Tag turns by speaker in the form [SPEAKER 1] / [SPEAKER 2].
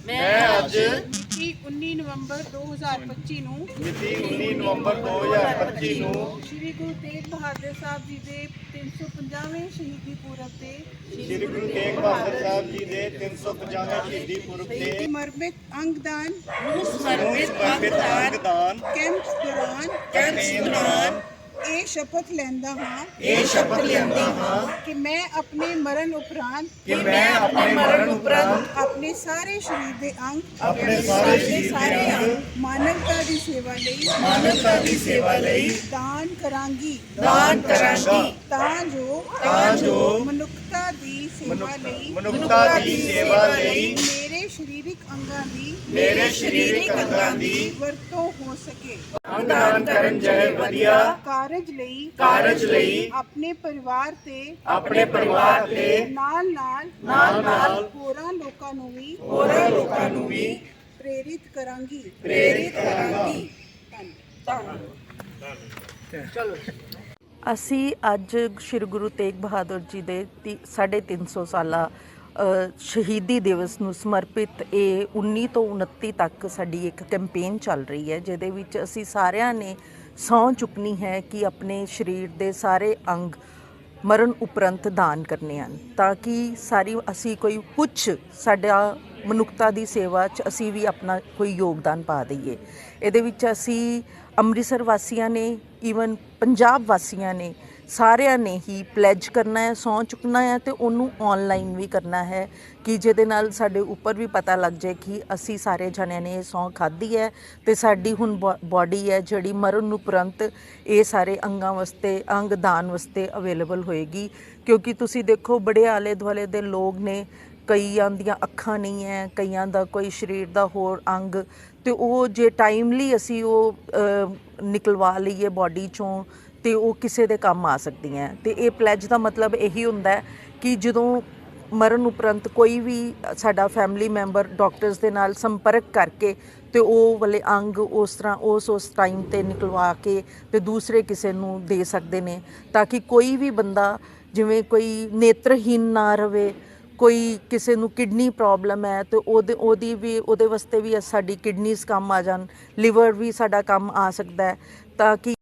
[SPEAKER 1] मैं अज
[SPEAKER 2] ਮਿਤੀ 19 ਨਵੰਬਰ 2025 ਨੂੰ
[SPEAKER 1] ਮਿਤੀ 19 ਨਵੰਬਰ 2025 ਨੂੰ
[SPEAKER 2] ਸ਼੍ਰੀ ਗੁਰੂ ਤੇਗ ਬਹਾਦਰ ਸਾਹਿਬ ਜੀ ਦੇ 350ਵੇਂ ਸ਼ਹੀਦੀ ਪੁਰਬ ਤੇ
[SPEAKER 1] ਸ੍ਰੀ ਗੁਰੂ ਤੇਗ ਬਹਾਦਰ ਸਾਹਿਬ ਜੀ ਦੇ 350ਵੇਂ ਸ਼ਹੀਦੀ ਪੁਰਬ ਤੇ
[SPEAKER 2] ਸਮਰਪਿਤ ਅੰਗਦਾਨ
[SPEAKER 1] ਸਮਰਪਿਤ ਅੰਗਦਾਨ
[SPEAKER 2] ਕੈਂਪਸ ਦੌਰਾਨ ਇਹ ਸ਼ਪਥ ਲੈਂਦਾ ਹਾਂ ਕਿ ਮੈਂ ਆਪਣੇ ਮਰਨ ਉਪਰੰਤ ਆਪਣੇ ਸਾਰੇ ਸਰੀਰ ਦੇ ਅੰਗ ਮਾਨਵਤਾ ਦੀ ਸੇਵਾ ਲਈ ਦਾਨ ਕਰਾਂਗੀ ਤਾਂ ਜੋ ਮਨੁੱਖਤਾ ਦੀ ਸੇਵਾ ਲਈ ਮੇਰੇ ਸਰੀਰਕ ਅੰਗਾਂ ਦੀ ਵਰਤੋਂ ਹੋ ਸਕੇ।
[SPEAKER 1] ਅੰਗਦਾਨ ਕਰਨ ਜੈ ਵਧੀਆ
[SPEAKER 2] ਕਾਰਜ ਲਈ ਆਪਣੇ ਪਰਿਵਾਰ ਤੇ ਨਾਲ ਹੋਰਾਂ ਲੋਕਾਂ ਨੂੰ ਵੀ ਪ੍ਰੇਰਿਤ ਕਰਾਂਗੀ।
[SPEAKER 3] ਅਸੀਂ ਅੱਜ ਸ਼੍ਰੀ ਗੁਰੂ ਤੇਗ ਬਹਾਦਰ ਜੀ ਦੇ 350 ਸਾਲਾ ਸ਼ਹੀਦੀ ਦਿਵਸ ਨੂੰ ਸਮਰਪਿਤ ਇਹ 19 ਤੋਂ 29 ਤੱਕ ਸਾਡੀ ਇੱਕ ਕੈਂਪੇਨ ਚੱਲ ਰਹੀ ਹੈ, ਜਿਹਦੇ ਵਿੱਚ ਅਸੀਂ ਸਾਰਿਆਂ ਨੇ ਸਹੁੰ ਚੁੱਕਣੀ ਹੈ ਕਿ ਆਪਣੇ ਸਰੀਰ ਦੇ ਸਾਰੇ ਅੰਗ ਮਰਨ ਉਪਰੰਤ ਦਾਨ ਕਰਨੇ ਹਨ, ਤਾਂ ਕਿ ਅਸੀਂ ਕੋਈ ਕੁਛ ਸਾਡਾ ਮਨੁੱਖਤਾ ਦੀ ਸੇਵਾ 'ਚ ਅਸੀਂ ਵੀ ਆਪਣਾ ਕੋਈ ਯੋਗਦਾਨ ਪਾ ਦਈਏ। ਇਹਦੇ ਵਿੱਚ ਅਸੀਂ ਅੰਮ੍ਰਿਤਸਰ ਵਾਸੀਆਂ ਨੇ, ਈਵਨ ਪੰਜਾਬ ਵਾਸੀਆਂ ਨੇ, ਸਾਰਿਆਂ ਨੇ ਹੀ ਪਲੈਜ ਕਰਨਾ ਹੈ, ਸਹੁੰ ਚੁੱਕਣਾ ਹੈ ਅਤੇ ਉਹਨੂੰ ਔਨਲਾਈਨ ਵੀ ਕਰਨਾ ਹੈ ਕਿ ਜਿਹਦੇ ਨਾਲ ਸਾਡੇ ਉੱਪਰ ਵੀ ਪਤਾ ਲੱਗ ਜਾਏ ਕਿ ਅਸੀਂ ਸਾਰੇ ਜਣਿਆਂ ਨੇ ਇਹ ਸਹੁੰ ਖਾਧੀ ਹੈ ਅਤੇ ਸਾਡੀ ਹੁਣ ਬੋਡੀ ਹੈ ਜਿਹੜੀ ਮਰਨ ਉਪਰੰਤ ਇਹ ਸਾਰੇ ਅੰਗ ਦਾਨ ਵਾਸਤੇ ਅਵੇਲੇਬਲ ਹੋਏਗੀ। ਕਿਉਂਕਿ ਤੁਸੀਂ ਦੇਖੋ ਬੜੇ ਆਲੇ ਦੁਆਲੇ ਦੇ ਲੋਕ ਨੇ, ਕਈਆਂ ਦੀਆਂ ਅੱਖਾਂ ਨਹੀਂ ਹੈ, ਕਈਆਂ ਦਾ ਕੋਈ ਸਰੀਰ ਦਾ ਹੋਰ ਅੰਗ, ਅਤੇ ਉਹ ਜੇ ਟਾਈਮਲੀ ਅਸੀਂ ਉਹ ਨਿਕਲਵਾ ਲਈਏ ਬੋਡੀ 'ਚੋਂ ਅਤੇ ਉਹ ਕਿਸੇ ਦੇ ਕੰਮ ਆ ਸਕਦੀਆਂ। ਅਤੇ ਇਹ ਪਲੈਜ ਦਾ ਮਤਲਬ ਇਹੀ ਹੁੰਦਾ ਹੈ ਕਿ ਜਦੋਂ ਮਰਨ ਉਪਰੰਤ ਕੋਈ ਵੀ ਸਾਡਾ ਫੈਮਿਲੀ ਮੈਂਬਰ ਡਾਕਟਰਸ ਦੇ ਨਾਲ ਸੰਪਰਕ ਕਰਕੇ ਅਤੇ ਉਹ ਵਾਲੇ ਅੰਗ ਉਸ ਤਰ੍ਹਾਂ ਉਸ ਟਾਈਮ 'ਤੇ ਨਿਕਲਵਾ ਕੇ ਅਤੇ ਦੂਸਰੇ ਕਿਸੇ ਨੂੰ ਦੇ ਸਕਦੇ ਨੇ, ਤਾਂ ਕਿ ਕੋਈ ਵੀ ਬੰਦਾ, ਜਿਵੇਂ ਕੋਈ ਨੇਤਰਹੀਨ ਨਾ ਰਵੇ, ਕੋਈ ਕਿਸੇ ਨੂੰ ਕਿਡਨੀ ਪ੍ਰੋਬਲਮ ਹੈ ਅਤੇ ਉਹਦੇ ਵਾਸਤੇ ਵੀ ਸਾਡੀ ਕਿਡਨੀਜ਼ ਕੰਮ ਆ ਜਾਣ, ਲਿਵਰ ਵੀ ਸਾਡਾ ਕੰਮ ਆ ਸਕਦਾ ਹੈ, ਤਾਂ ਕਿ